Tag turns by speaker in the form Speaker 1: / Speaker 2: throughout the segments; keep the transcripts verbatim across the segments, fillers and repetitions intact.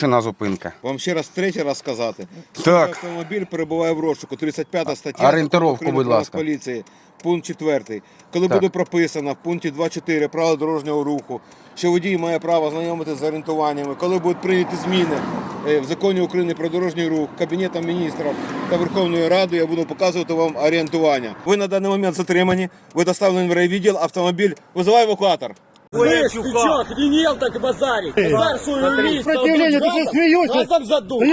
Speaker 1: На зупинка.
Speaker 2: Вам ще раз третій раз сказати.
Speaker 1: Так.
Speaker 2: Автомобіль перебуває в розшуку. тридцять п'ята стаття
Speaker 1: Орієнтировку, будь ласка.
Speaker 2: Поліції. Пункт четвертий. Коли
Speaker 1: Так.
Speaker 2: буде прописано в пункті два чотири правил дорожнього руху, що водій має право знайомитися з орієнтуваннями, коли будуть прийняті зміни е, в законі України про дорожній рух, Кабінетом міністрів та Верховною Радою, я буду показувати вам орієнтування. Ви на даний момент затримані, ви доставлені в райвідділ, автомобіль, визиває евакуатор.
Speaker 3: Слышь, ты чё, охренел так базарить? Базар свою лист,
Speaker 4: Сопротивление, ты что, смеешься?
Speaker 3: газом задул.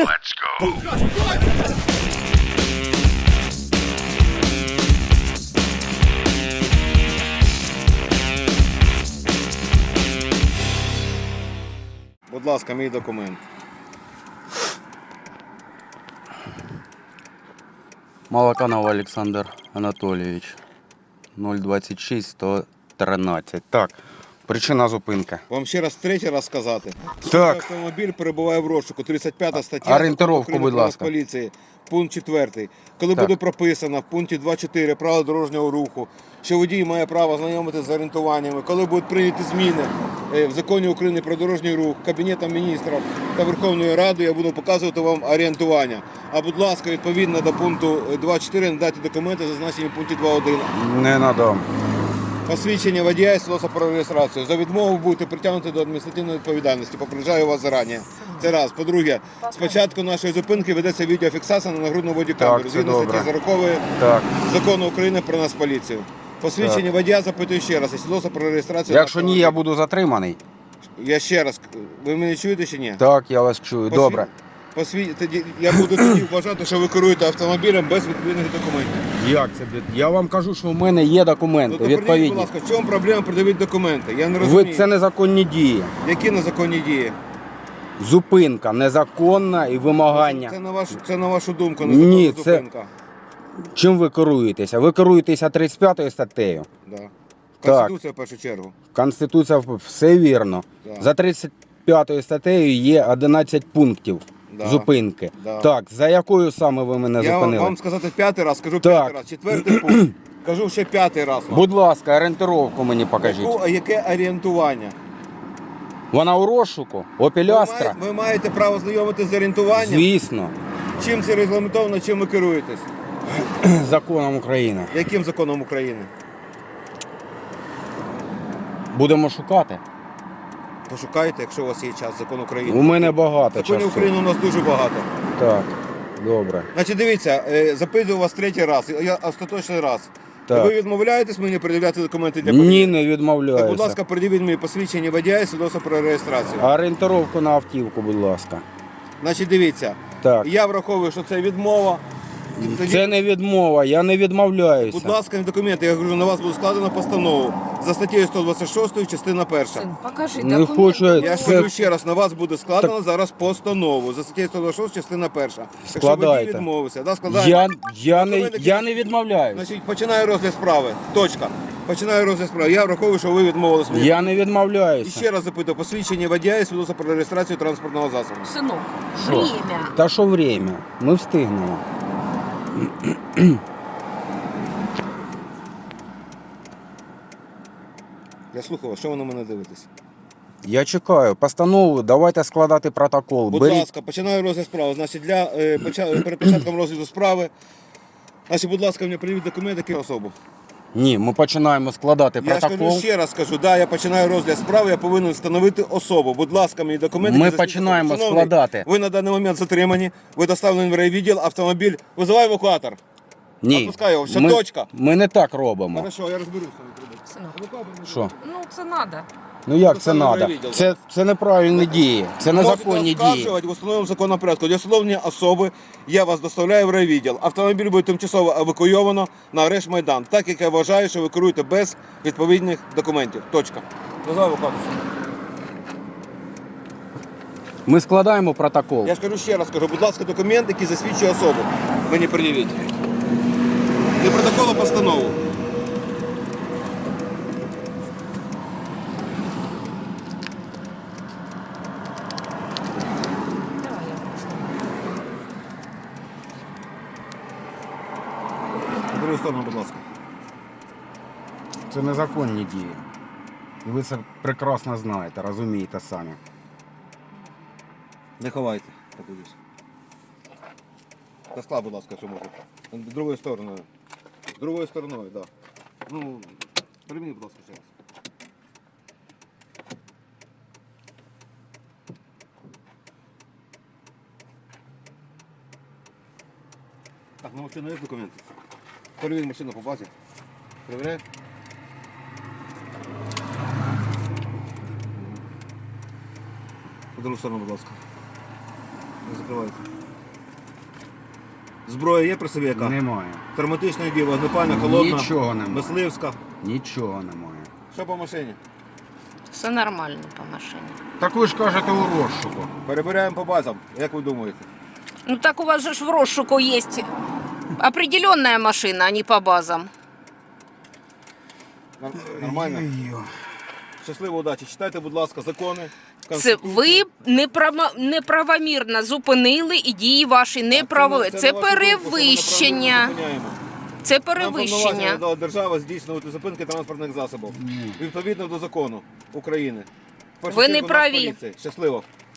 Speaker 2: Будь ласка, мій документ.
Speaker 1: Молоканов Олександр Анатолійович. нуль двадцять шість сто тринадцять. Так, причина зупинки.
Speaker 2: Вам ще раз третій раз сказати.
Speaker 1: Так.
Speaker 2: Автомобіль перебуває в розшуку. тридцять п'ята стаття
Speaker 1: Орієнтировку,
Speaker 2: України
Speaker 1: будь
Speaker 2: про
Speaker 1: ласка.
Speaker 2: Поліції. Пункт четвертий. Коли
Speaker 1: Так.
Speaker 2: буде прописано в пункті два чотири правил дорожнього руху, що водій має право знайомитися з орієнтуваннями, коли будуть прийняті зміни е, в законі України про дорожній рух, Кабінетом міністрів та Верховною Радою, я буду показувати вам орієнтування. А будь ласка, відповідно до пункту два чотири надайте документи, зазначені в пункті два один.
Speaker 1: Не надам.
Speaker 2: Посвідчення водія і свідоцтво про реєстрацію. За відмову будете притягнуті до адміністративної відповідальності. Попереджаю вас зарані. Це раз. По-друге, спочатку нашої зупинки ведеться відеофіксація на нагрудну бодікамеру.
Speaker 1: Так, це
Speaker 2: Згідно
Speaker 1: добре.
Speaker 2: статті сорокової
Speaker 1: Так.
Speaker 2: Закону України про нас поліцію. Посвідчення водія запитую ще раз. І свідоцтво про реєстрацію.
Speaker 1: Якщо
Speaker 2: нашого
Speaker 1: ні, я
Speaker 2: водія.
Speaker 1: буду затриманий.
Speaker 2: Я ще раз. Ви мене чуєте чи ні?
Speaker 1: Так, я вас чую.
Speaker 2: Посві-
Speaker 1: Добре.
Speaker 2: Посві... Тоді я буду тоді вважати, що ви керуєте автомобілем без відповідних документів.
Speaker 1: Як це? Я вам кажу, що в мене є документи
Speaker 2: Ну, то придивіть, будь
Speaker 1: відповідні.
Speaker 2: ласка, в чому проблема придивити документи? Я не розумію.
Speaker 1: Ви це незаконні дії.
Speaker 2: Які незаконні дії?
Speaker 1: Зупинка незаконна і вимагання.
Speaker 2: Це на вашу, це на вашу думку,
Speaker 1: Ні,
Speaker 2: незаконна
Speaker 1: це-
Speaker 2: зупинка.
Speaker 1: Чим ви керуєтеся? Ви керуєтеся тридцять п'ятою статтею.
Speaker 2: Да.
Speaker 1: Так.
Speaker 2: Конституція в першу чергу.
Speaker 1: Конституція все вірно.
Speaker 2: Да.
Speaker 1: За тридцять п'ятою статтею є одинадцять пунктів
Speaker 2: Да.
Speaker 1: зупинки.
Speaker 2: Да.
Speaker 1: Так, за якою саме ви мене
Speaker 2: Я вам,
Speaker 1: зупинили?
Speaker 2: вам сказати п'ятий раз, кажу
Speaker 1: Так.
Speaker 2: п'ятий раз. Четвертий пункт. Кажу ще п'ятий раз. вам.
Speaker 1: Будь ласка, орієнтировку мені покажіть.
Speaker 2: Яку- а яке орієнтування?
Speaker 1: Вона у розшуку? Opel
Speaker 2: Ви,
Speaker 1: Astra?
Speaker 2: має- ви маєте право знайомитися з орієнтуванням?
Speaker 1: Звісно,
Speaker 2: Чим це регламентовано, чим ви керуєтесь?
Speaker 1: законом України.
Speaker 2: Яким законом України?
Speaker 1: Будемо шукати.
Speaker 2: Пошукайте, якщо у вас є час, закон України.
Speaker 1: У мене багато
Speaker 2: Законів
Speaker 1: часу.
Speaker 2: України у нас дуже багато.
Speaker 1: Так, добре.
Speaker 2: Значить, дивіться, е, запитую вас третій раз, я остаточний раз.
Speaker 1: Так.
Speaker 2: Ви відмовляєтесь мені передавати документи для перевірки?
Speaker 1: Ні, не
Speaker 2: Так, будь
Speaker 1: відмовляюся.
Speaker 2: ласка, придивіть мені посвідчення водія і свідоцтво про реєстрацію.
Speaker 1: Орієнтировку на автівку, будь ласка.
Speaker 2: Значить, дивіться,
Speaker 1: Так.
Speaker 2: я враховую, що це відмова. Тоді,
Speaker 1: Це не відмова, я не відмовляюся.
Speaker 2: будь ласка, документи. Я говорю, на вас буде складено постанову за статтею сто двадцять шість, частина перша.
Speaker 5: Сын, покажи
Speaker 1: Не
Speaker 5: документы.
Speaker 1: хочу я-
Speaker 2: Я
Speaker 1: Це-
Speaker 2: скажу ще раз, на вас буде складено зараз постанову за статтею сто двадцять шість, частина перша. Якщо водій
Speaker 1: Складайте.
Speaker 2: відмовився, да, складаємо.
Speaker 1: Я, я, не,
Speaker 2: Документи,
Speaker 1: я не відмовляюся.
Speaker 2: Значить, починаю розгляд справи. Точка. Починаю розгляд справи. Я враховую, що ви відмовились мені.
Speaker 1: Я не
Speaker 2: І
Speaker 1: відмовляюся.
Speaker 2: ще раз запитую, посвідчення водія і свідоцтво про реєстрацію транспортного засобу.
Speaker 5: Сынок,
Speaker 1: Що?
Speaker 5: время.
Speaker 1: Та що время? Ми встигнемо.
Speaker 2: Я слухаю вас, що ви на мене дивитесь?
Speaker 1: Я чекаю. Постанову, давайте складати протокол.
Speaker 2: Будь
Speaker 1: Беріть.
Speaker 2: ласка, починаю розгляд справи. Значить, для, е, поча- перед початком розгляду справи, значить, будь ласка, мені приведіть документи, які особу.
Speaker 1: Ні, ми починаємо складати
Speaker 2: Я ж кажу,
Speaker 1: протокол.
Speaker 2: ще раз кажу, да, я починаю розгляд справи, я повинен встановити особу. Будь ласка, мені документи.
Speaker 1: Ми
Speaker 2: які засвідчують
Speaker 1: починаємо
Speaker 2: особу. Шановний,
Speaker 1: складати.
Speaker 2: Ви на даний момент затримані, ви доставлені в райвідділ, автомобіль, визиває евакуатор.
Speaker 1: Ні.
Speaker 2: Опускай його, все,
Speaker 1: ми,
Speaker 2: точка.
Speaker 1: Ми не так робимо.
Speaker 2: Хорошо, я розберуся.
Speaker 5: Сынок,
Speaker 1: Що?
Speaker 5: ну це надо.
Speaker 1: Ну як це
Speaker 2: Доставлено в
Speaker 1: треба?
Speaker 2: райвідділ.
Speaker 1: Це, це неправильні дії. Це незаконні
Speaker 2: Можете
Speaker 1: дії.
Speaker 2: оскаржувати в установленому законному порядку. Для встановлення особи я вас доставляю в райвідділ. Автомобіль буде тимчасово евакуйовано на арешт Майдан, так як я вважаю, що ви керуєте без відповідних документів. Точка. Дозвав евакуатор.
Speaker 1: Ми складаємо протокол.
Speaker 2: Я ж кажу ще раз, кажу, будь ласка, документ, який засвідчує особу. Мені пред'явіть. Не протокол, а постанову.
Speaker 5: Давай я
Speaker 2: На другу сторону, будь ласка.
Speaker 1: Це незаконні дії. І ви це прекрасно знаєте, розумієте самі.
Speaker 2: Не ховайте, подивись. Та скла, будь ласка, якщо можна. Другою стороною. Другою стороною, так. Да. Ну, переміни, будь ласка, ще раз. Так, на машину є документи? Перевір машину по базі. Перевіряй. По другу сторону, будь ласка. Не закривайте. Зброя є при собі яка?
Speaker 1: Немає.
Speaker 2: Травматичної дії, вогнепальна, холодна,
Speaker 1: Нічого немає.
Speaker 2: мисливська.
Speaker 1: Нічого немає.
Speaker 2: Що по машині?
Speaker 5: Все нормально по машині.
Speaker 1: Так ви ж кажете у розшуку.
Speaker 2: Перебираємо по базам. Як ви думаєте?
Speaker 5: Ну так у вас же ж в розшуку есть определенная машина, а не по базам.
Speaker 2: Нар- Нормально? Щасливо, удачі. Читайте, будь ласка, закони.
Speaker 5: Це
Speaker 2: Конституцію.
Speaker 5: ви неправо- неправомірно зупинили і дії ваші неправові.
Speaker 2: Так,
Speaker 5: Це
Speaker 2: на вашу думку, що ми
Speaker 5: перевищення.
Speaker 2: неправильно зупиняємо.
Speaker 5: Це
Speaker 2: Нам повноваження
Speaker 5: перевищення.
Speaker 2: надала держава здійснювати зупинки транспортних засобів. Відповідно до закону України. В першу
Speaker 5: Ви
Speaker 2: чергу
Speaker 5: не праві.
Speaker 2: Нацполіції. Щасливо.